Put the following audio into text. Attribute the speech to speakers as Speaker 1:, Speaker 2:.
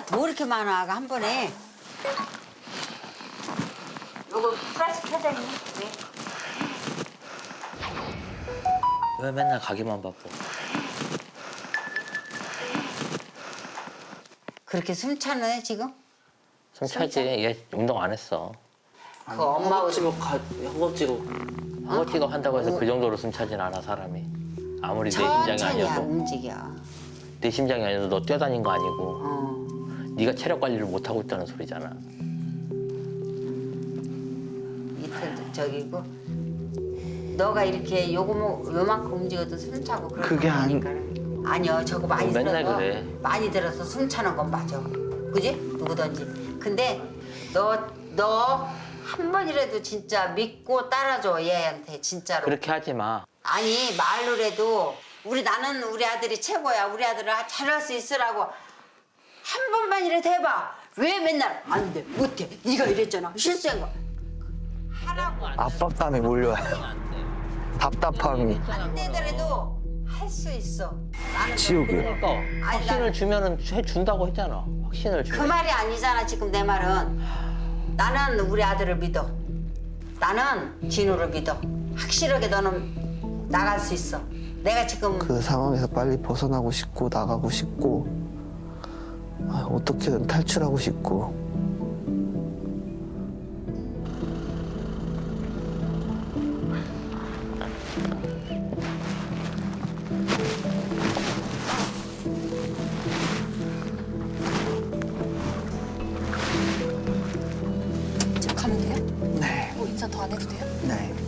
Speaker 1: 뭐 이렇게 많아 한 번에. 요거 플라스틱 사장님. 네.
Speaker 2: 왜 맨날 가기만 바빠?
Speaker 1: 그렇게 숨차네 지금?
Speaker 2: 숨 차지. 얘 운동 안 했어.
Speaker 1: 그 엄마하고
Speaker 2: 허벅지가 한다고 해서 그 정도로 숨 차진 않아 사람이. 아무리 내 심장이
Speaker 1: 천천히
Speaker 2: 아니어도.
Speaker 1: 움직여.
Speaker 2: 내 심장이 아니어도 너 뛰어다닌 거 아니고.
Speaker 1: 어.
Speaker 2: 네가 체력 관리를 못 하고 있다는 소리잖아.
Speaker 1: 이틀도 저기고. 너가 이렇게 요만큼 움직여도 숨차고 그런
Speaker 3: 그게
Speaker 1: 거 아니니까. 아니요 저거 많이
Speaker 2: 맨날
Speaker 1: 들어서
Speaker 2: 그래.
Speaker 1: 많이 들어서 숨차는 건 맞아. 그지? 누구든지. 근데 너 한 번이라도 진짜 믿고 따라줘 얘한테 진짜로.
Speaker 2: 그렇게 하지 마.
Speaker 1: 아니 말로라도 나는 우리 아들이 최고야. 우리 아들을 잘할 수 있으라고 한 번만이라도 해봐. 왜 맨날 안 돼, 못해. 네가 이랬잖아. 실수한 거. 하라고.
Speaker 3: 압박감이 몰려요. 답답함이.
Speaker 1: 안 되더라도 할 수 있어. 나는
Speaker 3: 지옥이야.
Speaker 2: 그러니까
Speaker 1: 아니,
Speaker 2: 확신을
Speaker 1: 나는-
Speaker 2: 주면은 해준다고 했잖아. 확신을
Speaker 1: 그
Speaker 2: 주면.
Speaker 1: 말이 아니잖아 지금 내 말은. 나는 우리 아들을 믿어. 나는 진우를 믿어. 확실하게 너는 나갈 수 있어. 내가 지금
Speaker 3: 그 상황에서 빨리 벗어나고 싶고 나가고 싶고 어떻게든 탈출하고 싶고.
Speaker 4: 지금 가면 돼요?
Speaker 3: 네.
Speaker 4: 뭐 인사 더 안 해도 돼요?
Speaker 3: 네.